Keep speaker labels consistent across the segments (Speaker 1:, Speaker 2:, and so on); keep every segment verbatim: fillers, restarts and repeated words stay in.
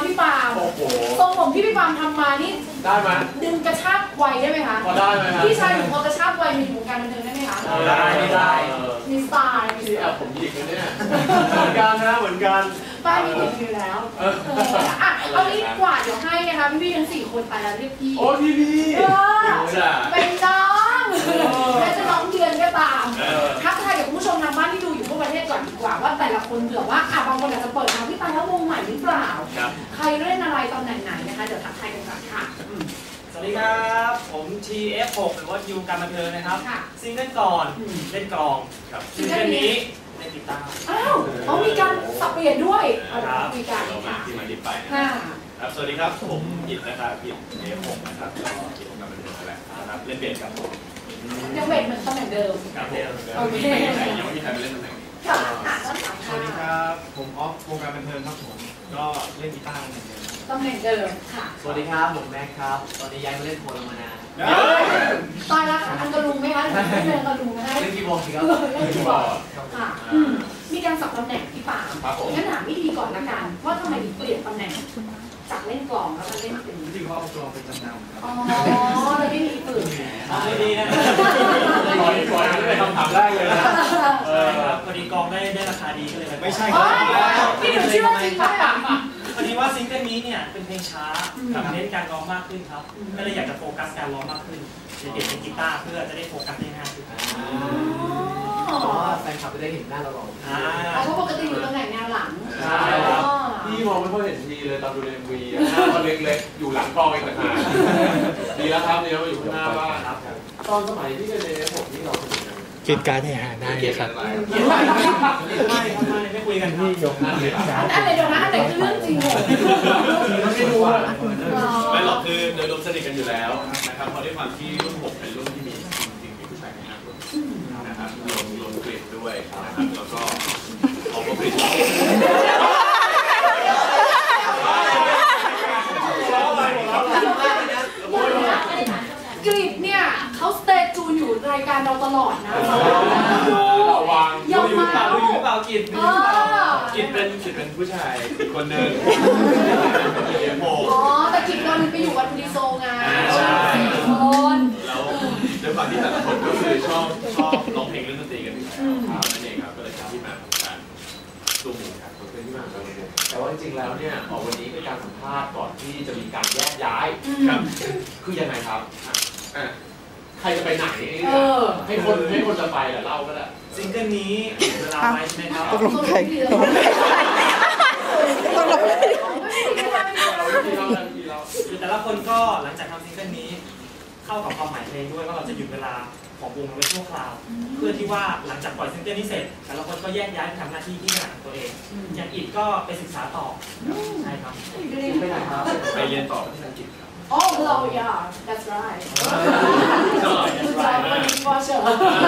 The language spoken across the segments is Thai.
Speaker 1: พี่ปามทรงผมที่พี่ปามทำมานี่
Speaker 2: ได้ไหม
Speaker 1: ดึงกระชากวัยได้ไหมคะ
Speaker 2: พอได้ไหมครับ
Speaker 1: พี่ชายหนูพอกระชากวัยมีวงการบันเทิงได้ไหมคะ
Speaker 2: ได้ได้
Speaker 1: มีสไตล์
Speaker 2: ที่แอบผมหยิกเลยเนี่ยเหมือนกันนะเหมือนกัน
Speaker 1: ป้ายมีติดอยู่แล้วอ่ะเอางี้กว่าเดี๋ยวให้นะคะพี่ๆทั้งสี่คนไปแล้วเรียกพี่
Speaker 2: โอ้พี่พี่
Speaker 1: เป็นน้องแม้จะน้องเดือนก็ตามทักทายกับผู้ชมทางบ้านที่ดูอยู่ทั่วประเทศก่อนดีกว่าว่าแต่ละคนเผื่อว่าอ่ะบางคนอาจจะเปิดมาพี่ตายแล้ววงใหม่หรือเปล่าใครเล่นอะไรตำแหน่งไหนนะคะเดี๋ยวทักทายกันก่อนค่ะ
Speaker 3: สวัสดีครับผม ที เอฟ หก หรือว่ายูการบันเทิงนะครับซิงเกิลก่อนเล่นกลองครับซิงเกิลนี้เล่นกีตาร์
Speaker 1: อ้าวเขามีการสับเปลี่ยนด้วยมีการ
Speaker 2: ที่มาดิบไปครับสวัสดีครับผมอิฐนะครับอิฐ เอฟ หก นะครับก็อิฐการบันเทิงนั่นแหละนะครับเล่นเบสครับผม
Speaker 1: ยังเบสเหมือนตำแหน่งเดิม
Speaker 2: ครับเดิมโอเคยังไม่มีใครไปเล่นตำแหน่งนี้
Speaker 3: สวัสดีครับผมออฟวงการบันเทิงครับผมก็เล่นกีตาร์เหมือนเดิม
Speaker 1: ตำแหน่งเดิมค่ะ
Speaker 3: สวัสดีครับผมแม็กครับตอนนี้ย้ายมาเล่นโพลมานาน
Speaker 1: ตายแล้วค่ะอันกระลุงไหมคะเล่นกระลุงไหม
Speaker 3: เล่นคีย์บอร์ดครับ
Speaker 1: เล่นคีย์บอร์ดค่ะมีการสับตำแหน่งพี่ปางั้นถามวิธีก่อนละกันว่าทำไมถึงเปลี่ยนตำแหน่งจากเล่นกลองแล้วมาเล่นเป็น
Speaker 3: ที่เขาเอากลองเป็นจำนำครับ
Speaker 1: อ๋อแล้วไม่มีปืน
Speaker 3: ไม่ดีนะ
Speaker 2: ขอขอนี่เป็นคำถามแรกเลยนะ
Speaker 3: เออครับพอดีกลองได้ได้ราคาดีก็เลยไม่ใช่
Speaker 1: ครับพี่หนูเชื่อจริงไหม
Speaker 3: พอดีว่าซิงเกิลนี้เนี่ยเป็นเพลงช้าเน้นการร้องมากขึ้นครับก็เลยอยากจะโฟกัสการร้องมากขึ้นจะเปลี่ยนเป็นกีตาร์เพื่อจะได้โฟกัสได้ง่ายขึ้นเพราะว่าแฟนคลับจะได้เห็นหน้าเราร้อง
Speaker 1: เพราะปกติอยู่ตำแหน่งแนวหลัง
Speaker 2: ใช่ครับพี่มองไม่ค่อยเห็นทีเลยตอนดูใน เอ็ม วีหน้าก็เล็กๆอยู่หลังกล้องเองต่างหากดีแล้วครับเดี๋ยวมาอยู่ข้างหน้าบ้างตอนสมัยที่เป็นเอฟผมที่เรา
Speaker 4: กินการแห่ได้ครับ
Speaker 3: ไม่ไม่ไม่ไม่คุยกันที่ยกนั่นเลย
Speaker 1: อันไหนเดี๋ยวนะอันไหนคือเรื่องจริงเหรอ
Speaker 2: ไม่รู้ไม่หรอกคือโดยรวมสนิทกันอยู่แล้วนะครับเพราะด้วยความที่รุ่นผมเป็นรุ่นที่มีจริงๆมีผู้ชายในนั้นนะครับรวมรวมกลิ่นด้วยนะครับแล้วก็ออกกลิ่น
Speaker 1: กรีดเนี่ยเขาสเตจจูนอยู่รายการเราตลอดนะ
Speaker 2: ระวัง
Speaker 1: ยอมมา
Speaker 3: ดูอยู่เปล่ากิด
Speaker 2: กิดเป็นกิดเป็นผู้ชายอีกคนหนึ่ง
Speaker 1: อ๋อแต่กิดตอนนึงไปอยู่วันดีโซไง
Speaker 2: ใช่
Speaker 1: คน
Speaker 2: แล้วด้วยความที่แต่ละคนก็คือชอบชอบร้องเพลงเล่นดนตรีกันอยู่แล้วนั่นเองครับก็เลยที่มาของการซูมครับเป็นที่มาของการแต่ว่าจริงๆแล้วเนี่ยออกวันนี้เป็นการสัมภาษณ์ก่อนที่จะมีการแยกย้ายครับคือยังไงครับใครจะไปไหนให้คนให้คนจะไปแหละเล่าก็ได้
Speaker 3: ซิงเกิลนี้เวลาไปใช่ไหมครับ
Speaker 4: ตกลงใครตกลงใครตกลงใคร
Speaker 3: คือแต่ละคนก็หลังจากทำซิงเกิลนี้เข้ากับความหมายเพลงด้วยว่าเราจะหยุดเวลาของวงไว้ชั่วคราวเพื่อที่ว่าหลังจากปล่อยซิงเกิลนี้เสร็จแต่ละคนก็แยกย้ายไปทำหน้าที่ที่ถนัดของตัวเองอย่างอิฐก็ไปศึกษาต่อใช่ครับ
Speaker 1: ไปไหนครับ
Speaker 2: ไปเรียนต่อที่อังกฤษครับ
Speaker 1: Oh, hello, yeah, that's right. Good job, good posture.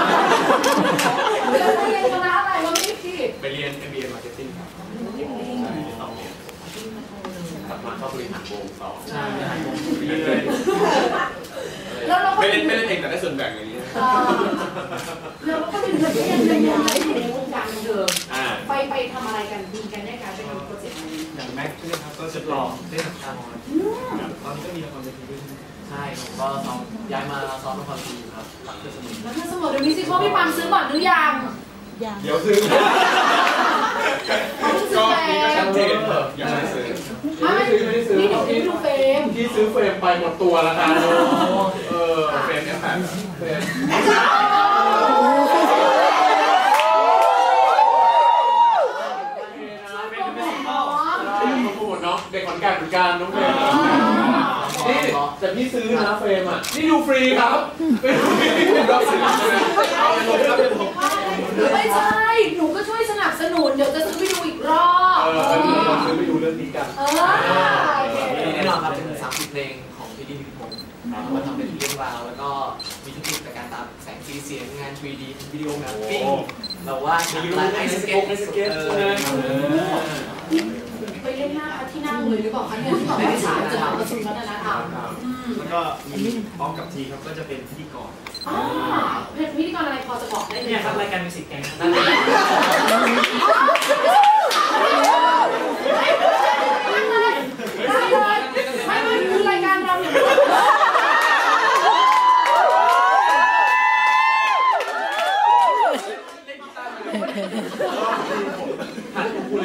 Speaker 1: เรียนคณะอะไรวะพี่
Speaker 2: ไปเรียน เอ็ม บี เอ Marketing ครับสองเรียนกลับมาเข้าบริหารวงต่อ
Speaker 3: ใช่บริหารวงดี
Speaker 2: เลย
Speaker 1: แล้วเราก็
Speaker 2: ไม่เล่นไม่เล่นเองแต่ได้ส่วนแบ่งอย่างนี้
Speaker 1: แล้วก็เป็นแบบยังไงอยู่ในวงการบันเทิงไปไปทำอะไรกันมีกันได้การไปทำโปรเจกต์อะไร
Speaker 3: อย่างแม็กซ์นะครับก็จะลองเล่นละครตอนนี้ก็มีละครเวทีด้วยใช่ผมก็ซ้อมย้ายมาซ้อมละครทีอยู่ครับหลังเทศมน
Speaker 1: หลังเทศมนเดี๋ยวมิวสิคอลพี่ปามซื้อก่อนหรือยัง
Speaker 2: เดี๋ยวซื้อ
Speaker 1: ก็
Speaker 2: นี่ก็ชัดเจนยังไม่ซื้อ
Speaker 1: ไม่ไม่ได้ซื้อนี่เดี๋ยวพี่ดูเฟรม
Speaker 2: ที่ซื้อเฟรมไปหมดตัวแล้วกันเออเฟรมเนี่ยแบบเฟรมเด็กขอนแก่นเหมือนกันน้องเฟรมนี่แต่พี่ซื้อนะเฟรมอ่ะนี่ดูฟรีครับไม่ดูฟรีรับซื้อเอาไปลงครับผม
Speaker 1: ไม่ใช่หนูก็ช่วยสนับสนุนเดี๋ยวจะซื้อไปดูอีกรอบ
Speaker 2: เออเราซื้อไปดูเรื่องนี้กัน
Speaker 1: เออ
Speaker 3: แน่นอนครับเป็นสามสิบเพลงของพี่ดิพิพงศ์มาทำเป็นเรื่องราวแล้วก็มีเทคนิคในการตามแสงสีเสียงงาน ทรี ดี วิดีโอแมปปิ้งเราว่าร้านไอสเก็ตไอสเก็ต
Speaker 1: ไปเล่นหน้าที่นั่งเลยหรือเปล่าคะเนี่ยที่บอกไม่ฉายจะทำประชุมวัฒนธรรม
Speaker 3: แล้วก็มีพร้อมกับทีครับก็จะเป็นพิธีกร
Speaker 1: อ๋อเป็นพิธีกรอะไรพอจะบอกได้ไหม
Speaker 3: เนี่ยครับรายการมิวสิกแกงนั่นเอง
Speaker 1: น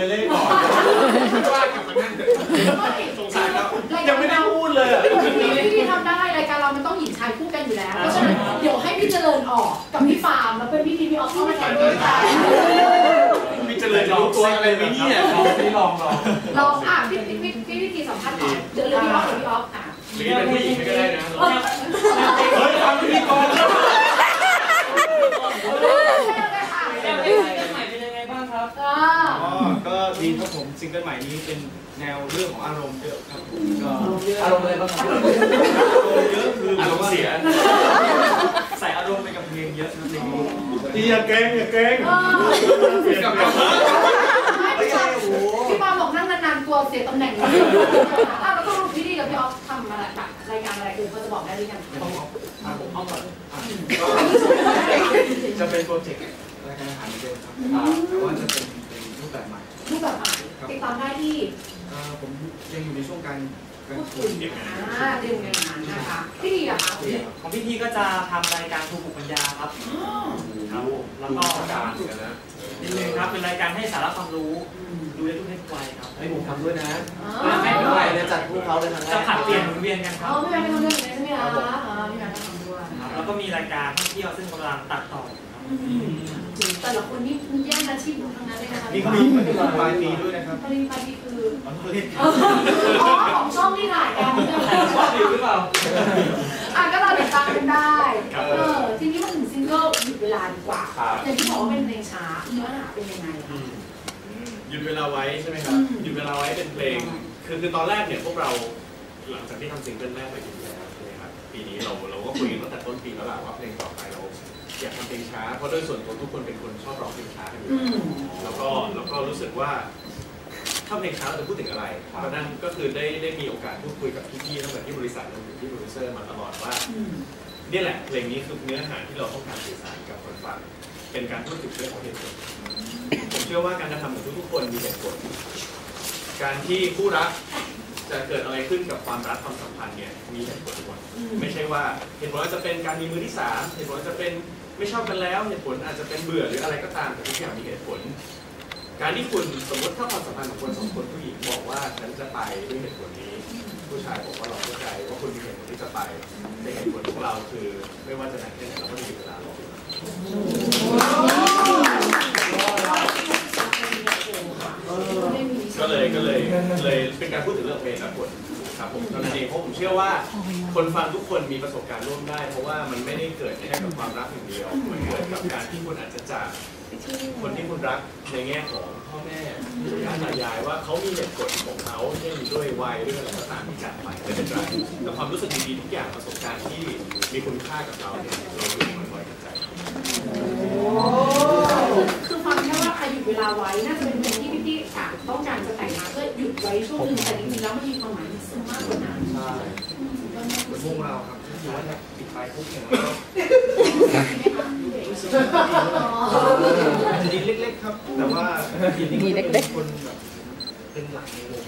Speaker 2: เลยเล่ก่อนว่ากลับมานั่งสงสารเขายังไม่ได้พูดเลยอ่ะ
Speaker 1: พี่พี่ทำได้รายการเรามันต้องหญิงชายคู่กันอยู่แล้วเพราะฉะนั้นเดี๋ยวให้พี่เจริญออกกับพี่ฟาร์มแล้วเป็นพี่ทีพี่ออฟเข้ามาแทนด้วยกัน
Speaker 2: พี่เจริญจะรู้ตัวอะไรไหมเนี่ยลองลองลอง
Speaker 1: ลองอ่ะพี่พี่พี่พี่พี่ทีสัมภาษณ์ก่อนเดี๋ยวพี่ออฟหรือพี่ออฟอ่ะ
Speaker 2: หรือเป็นผู้หญิงก็ได้นะเฮ้ยทำพิธีกร
Speaker 5: ก็ดีครับผมซิงเกิลใหม่นี้เป็นแนวเรื่องของอารมณ์เยอะครับผมก็
Speaker 4: อารมณ์อะไรบ้างครับ
Speaker 5: อารมณ์เยอะคือ
Speaker 2: อารมณ์เสีย
Speaker 5: ใส่อารมณ์ไปกับเพลงเยอะครับเพลงนี้
Speaker 2: อย่าเก่งอย่าเก่ง
Speaker 1: พี่ปาบอกนั่งนานๆกลัวเสียตำแหน่งอ่ะแล้วก็รู้พี่ดีกับพี่ออฟทำอะไรแบบรายการอะไรอื่นก็จะบอกได้หรือยัง
Speaker 5: ผมเอาก่อนจะเป็นโปรเจกต์รายการอาหารเดิมครับแต่ว่าจะเป็นเป็นรูปแบบใหม่
Speaker 1: รูปแบบใหม่ติดตามได้ที่
Speaker 5: ผมยังอยู่ในช่วงการ
Speaker 1: พูดคุยเตรียมงานนะคะพี่ดีอะคะ
Speaker 3: ของพี่ทีก็จะทำรายการภูมิปัญญาครับครับแล้วก็
Speaker 2: การกันนะ
Speaker 3: นิดนึงครับเป็นรายการให้สาระความรู้ดูได้ทุกเพศวัยครับ
Speaker 4: ให้ผมทำด้วยนะไม่ด้วยเนี่ยจัดพวกเขาเลยทั้ง
Speaker 3: จะผัดเปลี่ยนหมุนเวียนกันครับ
Speaker 1: อ๋อพี่แม่ทำเรื่องนี้ใช่ไหมคะพี่แม่ทำด้วย
Speaker 3: แล้วก็มีรายการท่องเที่ยวซึ่งกำลังตัดต่อ
Speaker 1: แต่ละคนนี่แย่งอาชีพทั้งนั้นเลยนะคะ
Speaker 5: มีมีปลายปีด้วยนะครับ
Speaker 1: ปลายปลายปีคืออ๋อของช่องที่ถ่ายกัน
Speaker 3: ชอบอยู่หรือเปล่า
Speaker 1: อ่ะก็เราติดตามกันได้เออทีนี้มาถึงซิงเกิลหยุดเวลาดีกว่าอย่างที่บอกว่าเป็นเพลงช้าเนื้อหาเป็นยังไงคะ
Speaker 2: หยุดเวลาไว้ใช่ไหมครับหยุดเวลาไว้เป็นเพลงคือคือตอนแรกเนี่ยพวกเราหลังจากที่ทำซิงเกิลแรกไปหยุดแล้วใช่ไหมครับปีนี้เราเราก็คุยกันตั้งแต่ต้นปีแล้วแหละว่าเพลงต่อไปเราอยากทำเพลงช้าเพราะโดยส่วนตัวทุกคนเป็นคนชอบร้องเพลงช้ากันอยู่แล้วก็แล้วก็รู้สึกว่าถ้าเพลงช้าเราจะพูดถึงอะไรเพราะนั้นก็คือได้ได้มีโอกาสพูดคุยกับพี่ๆตั้งแต่ที่บริษัทรวมถึงที่โปรดิวเซอร์มาตลอดว่านี่แหละเพลงนี้คือเนื้อหาที่เราต้องการสื่อสารกับคนฟังเป็นการพูดถึงเรื่องของเหตุผลผมเชื่อว่าการกระทำของทุกๆคนมีเหตุผลการที่คู่รักจะเกิดอะไรขึ้นกับความรักความสัมพันธ์เนี่ยมีเหตุผลหมดไม่ใช่ว่าเหตุผลอาจจะเป็นการมีมือที่สามเหตุผลอาจจะเป็นไม่ชอบกันแล้วเหตุผลอาจจะเป็นเบื่อหรืออะไรก็ตามแต่ทุกอย่างมีเหตุผลการที่คุณสมมติถ้าความสัมพันธ์ของคนสองคนผู้หญิงบอกว่าฉันจะไปด้วยเหตุผลนี้ผู้ชายบอกว่าเราเข้าใจว่าคุณมีเหตุผลที่จะไปแต่เหตุผลของเราคือไม่ว่าจะนานแค่ไหนเราก็มีเวลารอก็เลยก็เลยเลยเป็นการพูดถึงเรื่องเพลงและผลครับผมตอนนั้นเองเพราะผมเชื่อว่าคนฟังทุกคนมีประสบการณ์ร่วมได้เพราะว่ามันไม่ได้เกิดแค่กับความรักอย่างเดียวมันเกิดกับการที่คุณอาจจะจากคนที่คุณรักในแง่ของพ่อแม่ปู่ย่าตายายว่าเขามีเหตุผลของเขาเช่นด้วยวัยด้วยอะไรก็ตามที่จากไปไม่เป็นไรแต่ความรู้สึกดีๆทุกอย่างประสบการณ์ที่มีคุณค่ากับเราเนี่ยเราอยู่มันไว้กับใจ
Speaker 1: คือฟังแค่ว่าใครหยุดเวลาไว้น่าจะเป็นเพลงที่พี่ๆต้องการจะแต่งมาเพื่อหยุดไว้ช่วงนึงแต่จริงๆแล้วมันมีความหมายสูงมากกว่านั้น
Speaker 5: ใช่เป็นวงเราครับที่ว่าถ้าปิดไปปุ๊บเนี่ยดีเล็กๆครับแต่ว่าดีเล็กๆคนแบบเป็นหลักในวง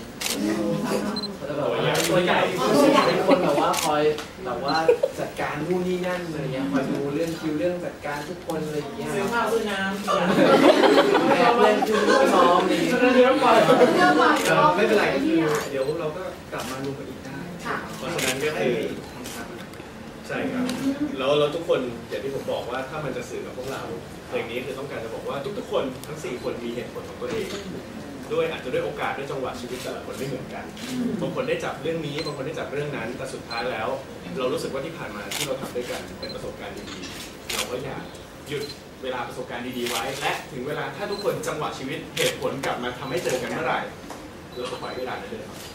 Speaker 4: ตัวใหญ่เป็นคนแบบว่าคอยแบบว่าจัดการนู่นนี่นั่นอะไรเงี้ยคอยดูเรื่องคิวเรื่องจัดการทุกคนอะไรอย่างเงี้ย
Speaker 3: ซื้อข้าวซื้อน้ำ
Speaker 4: เล่นคิวซ้อมนี่
Speaker 5: เรื่องไปไม่เป็นไรก็คือเดี๋ยวเราก็กลับมารวมกันอีกได้
Speaker 2: เพราะฉะนั้นก็คือใช่ครับแล้วเราทุกคนอย่างที่ผมบอกว่าถ้ามันจะสื่อกับพวกเราเพลงนี้คือต้องการจะบอกว่าทุกๆคนทั้งสี่คนมีเหตุผลของตัวเองด้วยอาจจะด้วยโอกาสด้วยจังหวะชีวิตแต่ละคนไม่เหมือนกันบางคนได้จับเรื่องนี้บางคนได้จับเรื่องนั้นแต่สุดท้ายแล้วเรารู้สึกว่าที่ผ่านมาที่เราทำด้วยกันเป็นประสบการณ์ดีๆเราก็อยากหยุดเวลาประสบการณ์ดีๆไว้และถึงเวลาถ้าทุกคนจังหวะชีวิตเหตุผลกลับมาทำให้เจอกันเมื่อไหร่เราก็ปล่อยเวลานั้นเลยครับ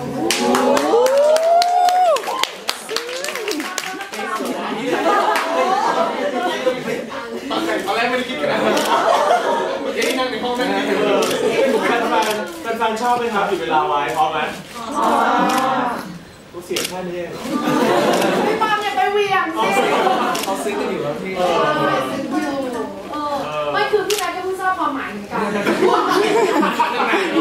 Speaker 2: ตอนแรกไม่ได้คิดกันนะเมื่อกี้นั่งในห้องนั่งนี่เลยแฟนแฟนชอบไหมครับหยุดเวลาไว้พร้อมไหมกูเสียงแค่นี้
Speaker 1: พี่ปามอย่าไปเวียงสิ
Speaker 4: เขาซื้อกันอยู่แล้วพี่
Speaker 1: ไม่คือพี่นายก็เพิ่งทราบความหมายเหมือนกัน